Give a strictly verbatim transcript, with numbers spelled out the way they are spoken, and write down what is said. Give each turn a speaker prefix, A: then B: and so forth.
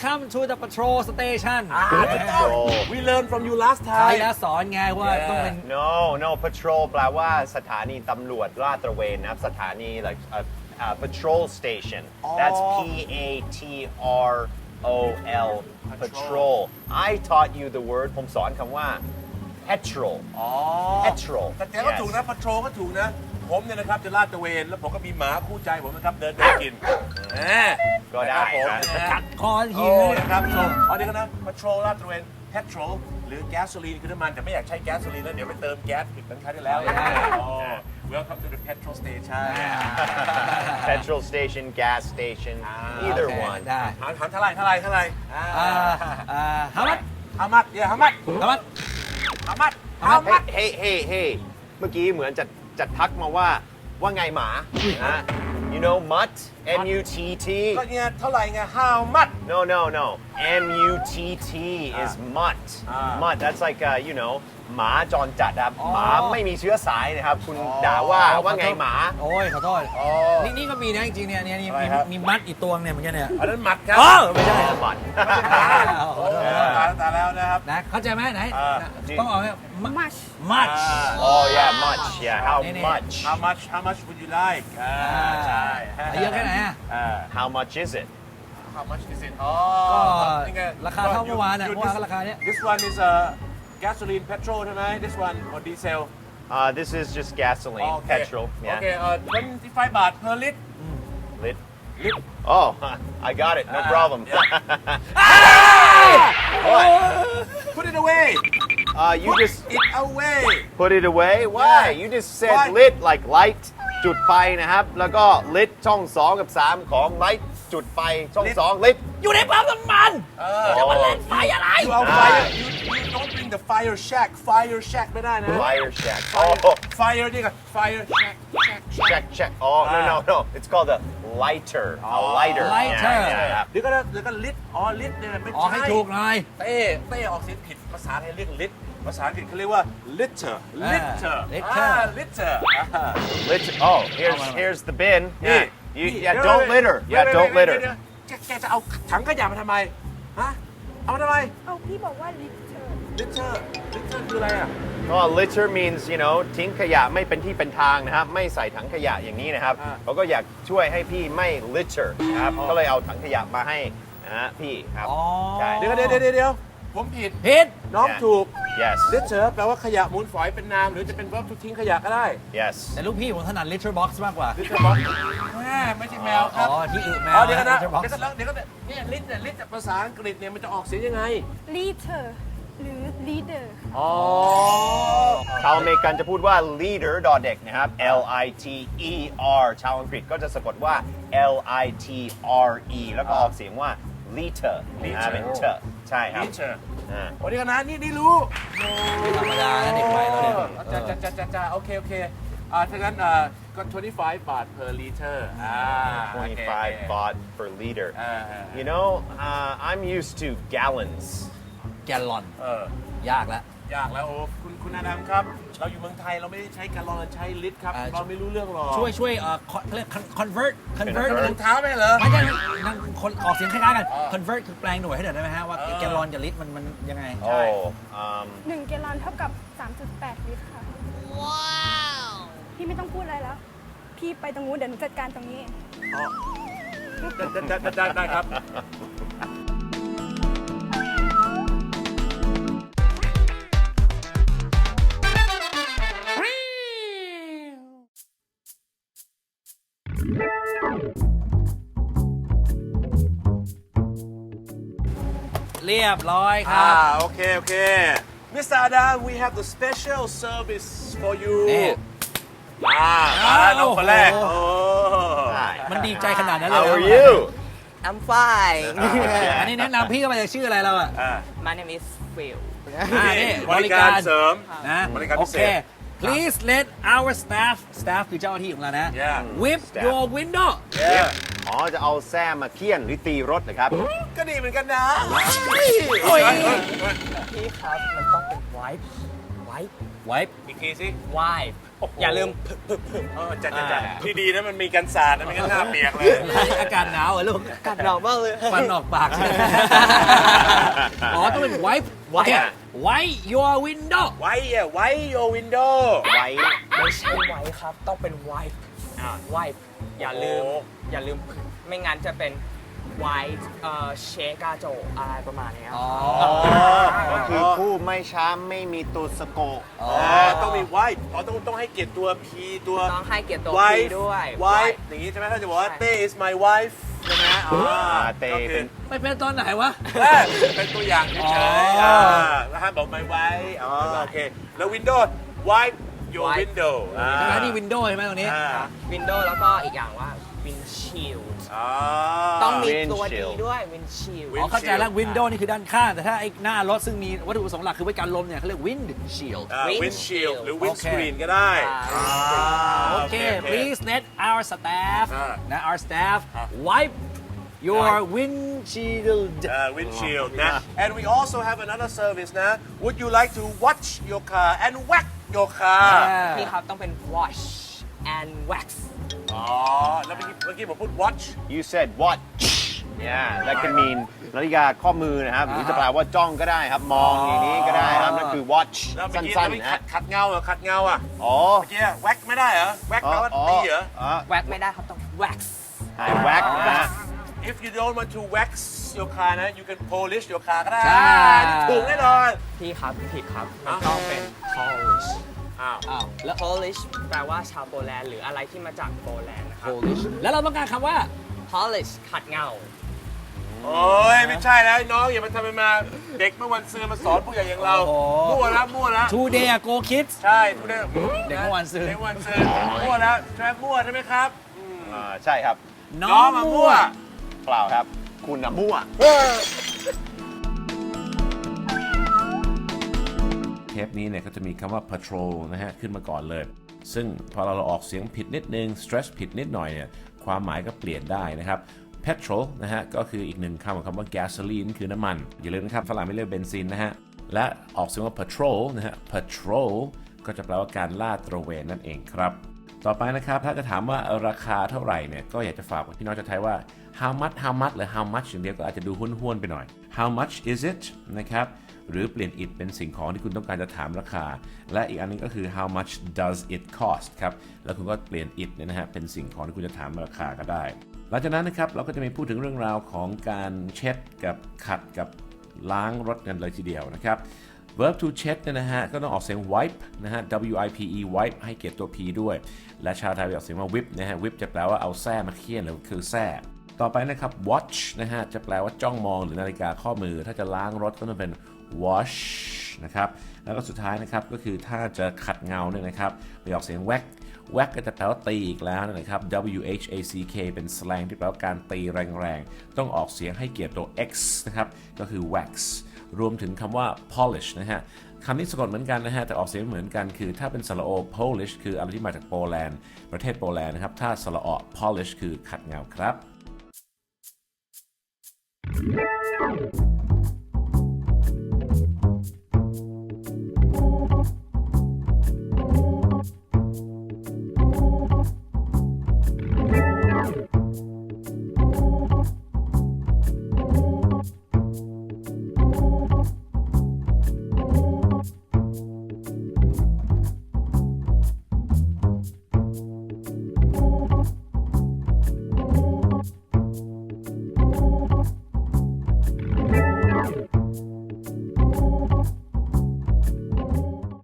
A: Welcome to the patrol station
B: Patrol
C: We learned from you last
A: ใคร
C: time
A: แล้วสอนไงว่าต้องเป็น
B: no no patrol แปลว่าสถานีตำรวจลาดตระเวนนะครับสถานี like a, a patrol station that's P A T R O L patrol I taught you the word ผมสอนคำว่า petrol
C: อ๋อ
B: petrol
C: แต่แกก็ถูกนะ patrol ก็ถูกนะ ผมเนี่ยนะครับจะลาดตระเวน แล้วผมก็มีหมาคู่ใจผมนะครับ เดินเดินกินแหม
B: ก็ได้
C: นะครับผม
B: ครับ
C: นะฮะ
A: กัดคอหิ
C: โอ้
A: ว
C: นะครับอ๋อเดี๋ยวกันนะ patrol ลาดตระเวน petrol หรือ gasoline คือน้ำมันแต่ไม่อยากใช้ gasoline แล้วเดี๋ยวไปเติมแก๊สผิดเหมือนครั้งที่แล้วอ๋อ Welcome to the petrol station
B: petrol station gas station either
A: โอเค
B: one
A: ได้
C: ถามถามเท่าไหร่เท่าไหร่เท่าไหร่
A: อ่าอ่า how much
C: how much yeah how much
A: how much
C: how much how much
B: เฮ้เฮ้เฮ้เมื่อกี้เหมือนจะจะทักมาว่าว่าไงหมานะ you know mutt M U T T
C: ก็เนี่ยเท่าไหร่ไง how much
B: no no no M U T T is mutt
C: อ่า
B: mutt that's like uh, you know หมาจรจัดครับ
A: อ๋อ
B: หมาไม่มีเชื้อสายนะครับ คุณด่าว่าว่าไงหมา
A: โอ้ยขอโทษ
C: อ๋อ
A: นี่นี่ก็มีนะจริงๆเนี่ยเนี่ยนี่
C: อะไร
A: มี
C: ครับ
A: มีมัดอีกตัวเนี่ยเหมือนกันเนี่ย
C: อันนั้นหมัดครับ
A: อ๋อไม่ใช่ครับ
B: มัด
C: โอ้ตายแล้วตายแล้วนะครับ
A: นะเข้าใจไหมไหน
C: อ่า
A: ต้องออกไหม
D: much
A: much
B: oh yeah much yeah how
A: นี่
B: much
C: how much how much would you like อ่าใช่
A: เยอะแค่ไหนอ่ะ
C: อ่า
B: how much is it
C: how much is it อ๋อ
A: ก็
C: นี่ไง
A: ราคาเท่าเมื่อวานน่ะ
C: You-
A: เมื่อวานก็ราคาเนี้ย
C: this one is a gasoline petrol ใช่ไหม this one or diesel
B: uh, this is just gasoline
C: โอเค
B: petrol
C: โอ
B: yeah
C: เคเอ่อtwenty-five บาท per lit
B: lit
C: lit
B: oh I got it no
C: Ah,
B: problem
C: yeah.
B: what
C: put it away
B: uh, you
C: put
B: just
C: it away
B: put it away why
C: Yeah.
B: you just said
C: Why?
B: lit like light จุดไฟนะครับ แล้วก็ lit ช่องสองกับสามของ light จุดไฟช่อง
C: Lit
B: สอง lit
A: อยู่ในปั๊มน้ำมัน
C: เออ
A: จะมาเล่นไฟอะไร
C: you เอา fire you you don't bring the fire shack fire shack ไม่ได้นะ
B: fire shack
C: fire
B: oh
C: fire นี่ก็ fire shack shack
B: check check oh no no no it's called a lighter a lighter
A: lighter
B: yeah, yeah, yeah.
C: เดี๋ยวก็เดี๋ยวก็ lit อ๋อ lit เนี่ยไม่
A: ออกให้
C: ใช่
A: ถูกหน่อย
C: เต้เต้ออกเสียงผิดภาษาไทยเรียก lit ภาษาอังกฤษเขาเรียกว่า liter liter
A: liter
C: อ่า liter อ่า
B: Litter. Oh, here's here's the bin. Yeah.
C: Hey,
B: You,
C: hey,
B: yeah.
C: wait,
B: Don't
C: wait,
B: litter.
C: wait,
B: Yeah.
C: wait,
B: Don't
C: wait, wait,
B: litter.
C: แกแกจะเอาถังขยะมาทำไม ฮะ เอามาทำไม
D: เอาพี่บอกว่า liter
C: liter liter คืออะไรอ่ะ
B: Oh, litter means you know ทิ้งขยะไม่เป็นที่เป็นทางนะครับ ไม่ใส่ถังขยะอย่างนี้นะครับ
C: อ่า
B: เขาก็อยากช่วยให้พี่ไม่ litter นะครับ ก็เลยเอาถังขยะมาให้นะฮะพี่ครับ
A: อ๋อ
B: ใช่
C: เดี๋ยวเดี๋ยวเดี๋ยวเดี๋ยวผมผิด
A: ผิด
C: น้องถูก
B: Yes.
C: liter แปลว่าขยะมูลฝอยเป็นนาม หรือจะเป็น verb to ทิ้งขยะก็ได้
B: Yes.
A: แต่ลูกพี่ผมถนัด litter box มากกว่า
C: liter box แม่ไม่ใช่แมวครับ
A: อ๋อที่อึแมว
C: อ๋อเดี๋ยวกันนะ
A: litter box
C: เดี๋ยวกันนะเดี๋ยวกันนะเนี่ย lit เนี่ย lit จากภาษาอังกฤษเนี่ยมันจะออกเสียงยังไง
D: liter หรือ leader
C: อ๋อ
B: ชาวอเมริกันจะพูดว่า leader ดอเด็กนะครับ L I T E R ชาวอังกฤษก็จะสะกดว่า L I T R E แล้วก็ออกเสียงว่า liter นะฮะเป็น t ใช่ครับ
C: liter
B: อ่า
C: โอ้เดี๋ยวกันนะนี่นี่รู้
A: ไม่ธรรมดานะเด็กวัยเราเนี่ย
C: จ้าจ้าจ้าจ้าจ้าโอเค โอเคอ่าถ้างั้นอ่าก็twenty-five บาท per liter อ่า
B: twenty-five baht per liter.
C: อ่า
B: You know, uh, I'm used to gallons.
A: แกลลอน
C: เออย
A: ากแล้ว
C: ยากแล้วโอ้คุณคุณอาดัมครับ เราอยู่เมืองไทยเราไม่ได้ใช้แกลลอนเราใช้ลิตรครับ
A: อ่า
C: เราไม่รู้เรื่องหรอก
A: ช่วยช่วยเอ่อเขาเรียก convert convert
C: รองเท้าไหมเหรอ
A: ไม่ใช่นั่งคนออกเสียงคล้ายๆกัน
C: อ่า
A: convert คือแปลงหน่วยให้หน่อยได้ไหมฮะว่า
C: เออ
A: แกลลอนกับลิตรมันมันยังไง
B: Oh, um,
D: หนึ่งแกลลอนเท่ากับ สามจุดแปด ลิตรค่ะ ว้าว พี่ไม่ต้องพูดอะไรแล้ว พี่ไปตรงนู้นเดี๋ยวหนูจัดการตรงนี้
C: ได้ได้ได้ได้ครับ
A: เรียบร้อยค
C: อ่า
A: รับ
C: โอเค โอเค มิสเตอร์อาดัม we have the special service for you
A: นี่
C: อ่ามาแล้วน้องคนแรก
A: โอ้
C: โอ้
B: hi.
A: มันดีใจขนาดนั้นเลย
B: How
A: เหร
B: are you?
E: I'm fine.
A: อันนี้แนะนำพี่ก็มาจากชื่ออะไรเราอ่ะ
C: อ่า
E: My name is Phil.
A: อ่านี่
C: บริการเสริม
A: นะ
C: บริการ
A: โอ
C: พิเศ
A: เค
C: ษ
A: please let our staff staff คือเจ้าหน้าที่ของเรานะ
C: Yeah.
A: whip
B: Staff
A: your window
B: อ๋อ จะเอาแส้มาเคี่ยนหรือตีรถเหรอครับ
C: ก็ดีเหมือนกันนะ
A: โอ้ย
E: พี่ครับมันต้องเป็น wipe wipe
A: wipe
C: อีกทีสิ
E: wipe อย่าลืม
C: เออจัดจัดที่ดีนะมันมีกันสาดนะไม่งั้นหน้าเปียกเลย
A: อากาศหนาวเหรอลูก
E: กัดเรามากเลย
A: ฟันออกปากใช่ไหมอ๋อต้องเป็น wipe
E: wipe
A: wipe your window
C: ไว้อะไว้ your window
B: ไว้
E: ไม่ใช่ไว้ครับ ต้องเป็น wipe
C: อ่า
E: wipe อย่าลืม
C: โอ้
E: อย่าลืม ไม่งั้นจะเป็น wipe เอ่อเชกาโจอะไรประมาณนี้ครับ
B: ก็คือผู้ไม่ช้ำไม่มีตัวสะโกะ
A: อ๋อ
C: อ๋อต้องมีไว้อ๋อต้องต้องให้เกียรติตัว P ตัว
E: ต้องให้เกียรติตัว
C: wife
E: พี่ด้วย
C: wife อย่างนี้ใช่ไหมถ้าจะบอกว่า
E: ใช่
C: เต้ is my wife ใช่ไหมอ๋อ
B: เต้
C: ก็คือ
B: เป็น
A: ไม่เป็นตอนไหนวะ
C: เออเป็นตัวอย่างเฉย
A: อ๋อ
C: ๆอ่าแล้วห้ามบอก my wife อ๋อโอเค แล้ว Windows wipe your
E: wipe
C: window อ่า
A: ใช่ไหมนี่ window ใช่ไหมตรงนี้
C: อ่า
E: Windows แล้วก็อีกอย่างว่า windshield
C: อ๋อ
E: ต้องมีตัวดี
B: windshield
E: ด้วย windshield
A: อ๋อเข้าใจแล้ว window นี่คือด้านข้าง แต่ถ้าไอ้หน้ารถซึ่งมีวัตถุประสงค์หลักคือไว้กันลมเนี่ยเขาเรียก windshield
C: อ่า
E: windshield
C: windshield หรือ
A: โอเค
C: windscreen ก็ได้
E: อ่า
C: อ่า
A: โอเค please let our staff
C: อ่า
A: นะ our staff
C: อ่า
A: wipe your windshield
C: Uh, windshield นะ and we also have another service นะ would you like to watch your car and whack your car
E: พี่ครับต้องเป็น wash and wax
C: อ๋อ แล้วเมื่อกี้เมื่อกี้ผมพูด watch
B: you said watch yeah that can mean นาฬิกาข้อมือนะครับ หรือจะแปลว่าจ้องก็ได้ครับ มองอย่างนี้ก็ได้ครับ นั่นคือ watch
C: แล้วเมื่
B: สั
C: อกี้
B: ้น
C: แล้วเมื่อ
B: ๆ
C: กี้
B: นะ
C: ขั
B: ฮะ
C: ดขัดเงาเหรอขัดเงาอ่ะ
B: อ๋อ
C: เมื่อกี้ whack ไม่ได้เหรอ whack แปลว่าตีเหรอ
B: อ๋อ
E: wax ไม่ได้ครับต้อง wax
B: หายแว็กนะฮะ
C: if you don't want to wax your car นะ you can polish your car ก็ได้
A: ใช่
C: ถูกแน่นอน
E: พี่ครับผิดครับ
C: อ้าว
E: ต้องเป็น polish
C: อ้าว
A: อ้าวแล้ว
E: polish แปลว่าชาวโปแลนด์หรืออะไรที่มาจากโปแลนด์นะครับ
A: Polish แล้วเราต้องการคำว่า
E: polish ขัดเงา
C: โอ้ยไม่ใช่แล้วน้องอย่ามาทำเป็นมาเด็กเมื่อวันซืนมาสอนผู้ใหญ่อย่างเรา
A: โอ้โห
C: มั่วแล้วมั่วแล้ว
A: today go kids
C: ใช่ทุกเด็ก
A: เด็กเมื่อวันซืน
C: เด็กเมื่อวันซืนมั่วแล้วใช่มั่วใช่ไหมครับ
B: อ่าใช่ครับ
A: น้
C: น้
A: อ
C: อง งมามั่ว
B: เปล่าครับ คุณน่ะมั่ว
F: เทปนี้เนี่ยก็จะมีคำว่า patrol นะฮะขึ้นมาก่อนเลย ซึ่งพอเราออกเสียงผิดนิดนึง stress ผิดนิดหน่อยเนี่ยความหมายก็เปลี่ยนได้นะครับ petrol นะฮะก็คืออีกหนึ่งคำของคำว่า gasoline คือน้ำมัน อย่าลืมนะครับฝรั่งไม่เรียกเบนซินนะฮะและออกเสียงว่า patrol นะฮะ patrol ก็จะแปลว่าการลาดตระเวนนั่นเองครับ ต่อไปนะครับถ้าจะถามว่าราคาเท่าไหร่เนี่ยก็อยากจะฝากพี่น้องชาวไทยว่า how much how much หรือ how much อย่างเดียวก็อาจจะดูห้วนๆไปหน่อย how much is it นะครับหรือเปลี่ยน it เป็นสิ่งของที่คุณต้องการจะถามราคา และอีกอันนึงก็คือ how much does it cost ครับแล้วคุณก็เปลี่ยน it เนี่ยนะฮะเป็นสิ่งของที่คุณจะถามราคาก็ได้หลังจากนั้นนะครับเราก็จะมีพูดถึงเรื่องราวของการเช็ดกับขัดกับล้างรถกันเลยทีเดียวนะครับ verb to เช็ดเนี่ยนะฮะก็ต้องออกเสียง wipe นะฮะ w i p e wipe ให้เกียรติตัว p ด้วยและชาวไทยออกเสียงว่า whip นะฮะ whip จะแปลว่าเอาแส้มาเคี่ยนหรือคือแส้ต่อไปนะครับ watch นะฮะจะแปลว่าจ้องมองหรือนาฬิกาข้อมือถ้าจะล้างรถก็ต้องเป็น wash นะครับแล้วก็สุดท้ายนะครับก็คือถ้าจะขัดเงาเนี่ยนะครับไปออกเสียง whack whack ก็จะแปลว่าตีอีกแล้วนะครับ w h a c k เป็นสแลงที่แปลว่าการตีแรงๆต้องออกเสียงให้เกียรติตัว x นะครับก็คือ wax รวมถึงคำว่า polish นะฮะคำนี้สะกดเหมือนกันนะฮะแต่ออกเสียงเหมือนกันคือถ้าเป็นสระโอ Polish คืออะไรที่มาจากโปแลนด์ประเทศโปแลนด์นะครับถ้าสระออ polish คือขัดเงาครับ